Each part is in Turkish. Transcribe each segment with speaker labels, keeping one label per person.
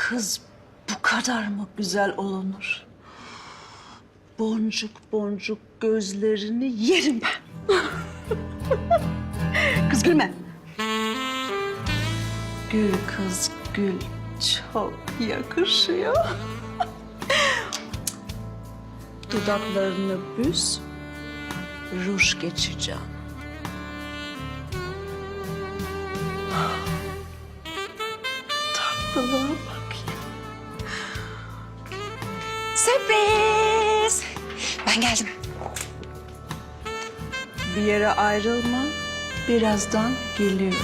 Speaker 1: Kız bu kadar mı güzel olunur? Boncuk boncuk gözlerini yerim ben. Kız gülme. Gül kız gül, çok yakışıyor. Dudaklarını büz, ruj geçeceğim. Tatlılığa bak ya.
Speaker 2: Sürpriz! Ben geldim.
Speaker 1: Bir yere ayrılma, birazdan geliyorum.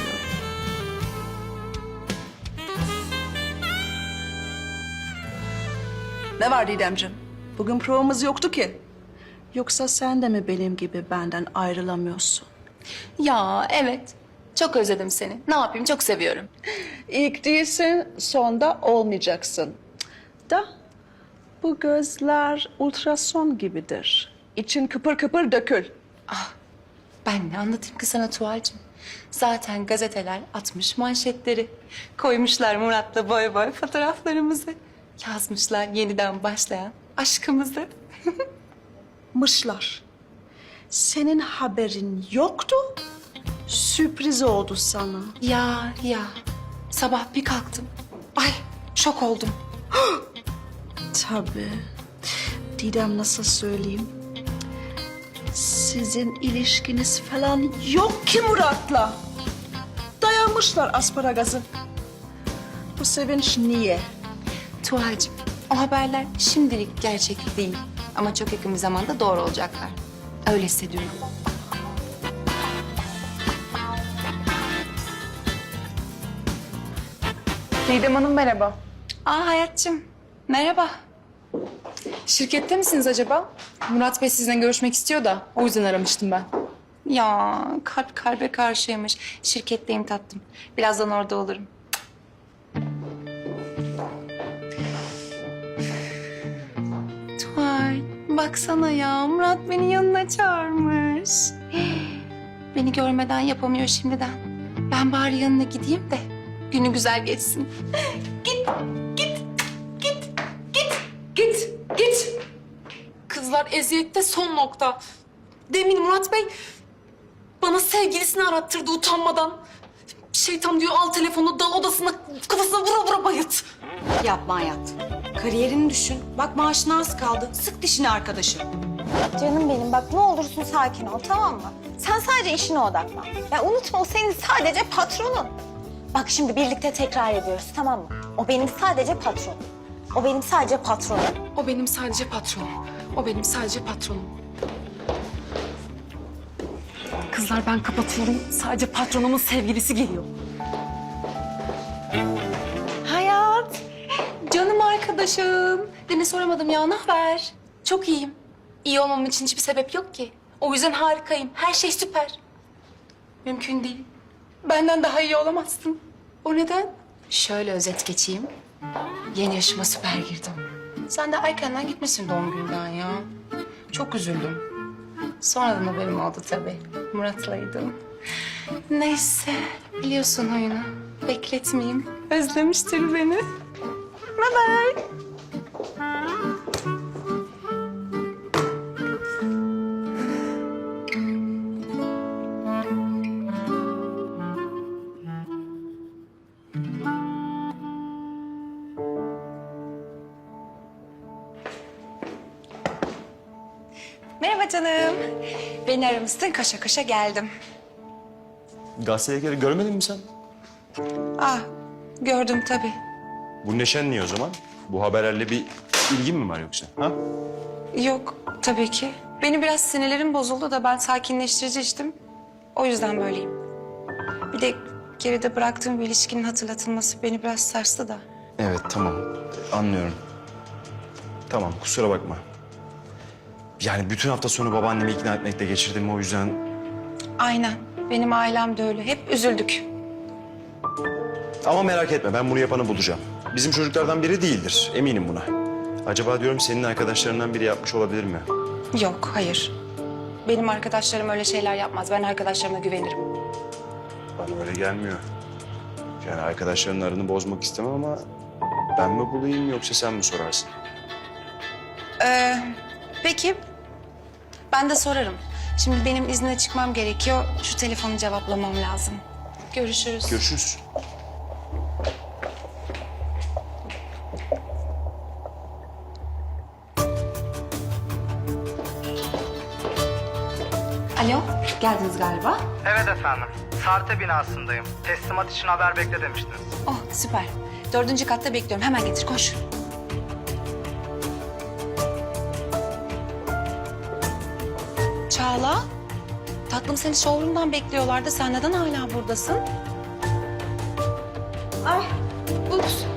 Speaker 1: Ne var Didemciğim? Bugün provamız yoktu ki. Yoksa sen de mi benim gibi benden ayrılamıyorsun?
Speaker 2: Ya evet. Çok özledim seni. Ne yapayım, çok seviyorum.
Speaker 1: İlk değilsin, sonda olmayacaksın. Da bu gözler ultrason gibidir. İçin kıpır kıpır dökül.
Speaker 2: Ben ne anlatayım ki sana Tuğal'cığım? Zaten gazeteler atmış manşetleri. Koymuşlar Murat'la boy boy fotoğraflarımızı. Yazmışlar yeniden başlayan aşkımızı.
Speaker 1: Mışlar. Senin haberin yoktu. Sürpriz oldu sana.
Speaker 2: Ya. Sabah bir kalktım. Ay şok oldum.
Speaker 1: Tabii. Didem nasıl söyleyeyim? Sizin ilişkiniz falan yok ki Murat'la. Dayanmışlar asparagazı. Bu sevinç niye?
Speaker 2: Tuğal'cığım o haberler şimdilik gerçek değil. Ama çok yakın bir zamanda doğru olacaklar. Öyle hissediyorum.
Speaker 3: Didem Hanım merhaba.
Speaker 2: Hayatçığım merhaba.
Speaker 3: Şirkette misiniz acaba? Murat Bey sizinle görüşmek istiyor da o yüzden aramıştım ben.
Speaker 2: Ya kalp kalbe karşıymış. Şirketteyim tatlım. Birazdan orada olurum. Tuğal baksana ya Murat beni yanına çağırmış. Beni görmeden yapamıyor şimdiden. Ben bari yanına gideyim de günü güzel geçsin.
Speaker 3: Git. Kızlar eziyette son nokta. Demin Murat Bey bana sevgilisini arattırdı utanmadan. Şeytan diyor al telefonu dal odasına kafasına vura vura bayılt.
Speaker 4: Yapma hayat. Kariyerini düşün. Bak maaşına az kaldı. Sık dişini arkadaşım.
Speaker 5: Canım benim bak ne olursun sakin ol tamam mı? Sen sadece işine odaklan. Ya unutma o senin sadece patronun. Bak şimdi birlikte tekrar ediyoruz tamam mı? O benim sadece patronum. O benim sadece patronum.
Speaker 3: O benim sadece patronum. O benim sadece patronum. Kızlar ben kapatıyorum. Sadece patronumun sevgilisi geliyor.
Speaker 2: Hayat. Canım arkadaşım. Demin soramadım ya ne haber? Çok iyiyim. İyi olmam için hiçbir sebep yok ki. O yüzden harikayım. Her şey süper. Mümkün değil. Benden daha iyi olamazsın. O neden? Şöyle özet geçeyim. Yeni yaşıma süper girdim. Sen de erkenden gitmişsin doğum günden ya. Çok üzüldüm. Sonradan haberim oldu tabii. Murat'laydım. Neyse, biliyorsun oyunu. Bekletmeyeyim. Özlemiştir beni. Bye bye. Merhaba canım. Beni aramışsın, koşa koşa geldim.
Speaker 6: Gazeteleri görmedin mi sen?
Speaker 2: Gördüm tabii.
Speaker 6: Bu neşen niye o zaman? Bu haberlerle bir ilgin mi var yoksa? Ha?
Speaker 2: Yok, tabii ki. Benim biraz sinirlerim bozuldu da ben sakinleştirici içtim. O yüzden böyleyim. Bir de geride bıraktığım bir ilişkinin hatırlatılması beni biraz sarstı da.
Speaker 6: Evet, tamam. Anlıyorum. Tamam, kusura bakma. Yani bütün hafta sonu babaannemi ikna etmekle geçirdim o yüzden...
Speaker 2: Aynen. Benim ailem de öyle. Hep üzüldük.
Speaker 6: Ama merak etme, ben bunu yapanı bulacağım. Bizim çocuklardan biri değildir, eminim buna. Acaba diyorum senin arkadaşlarından biri yapmış olabilir mi?
Speaker 2: Yok, hayır. Benim arkadaşlarım öyle şeyler yapmaz. Ben arkadaşlarıma güvenirim.
Speaker 6: Bana öyle gelmiyor. Yani arkadaşlarının aranı bozmak istemem ama Ben mi bulayım yoksa sen mi sorarsın?
Speaker 4: Peki. Ben de sorarım. Şimdi benim izne çıkmam gerekiyor. Şu telefonu cevaplamam lazım. Görüşürüz.
Speaker 6: Görüşürüz.
Speaker 4: Alo, geldiniz galiba.
Speaker 7: Evet efendim. Sarte binasındayım. Teslimat için haber bekle demiştiniz.
Speaker 4: Oh, süper. 4. katta bekliyorum. Hemen getir, koş. Çağla, tatlım seni showroom'dan bekliyorlardı. Sen neden hala buradasın?
Speaker 5: Ay, ups.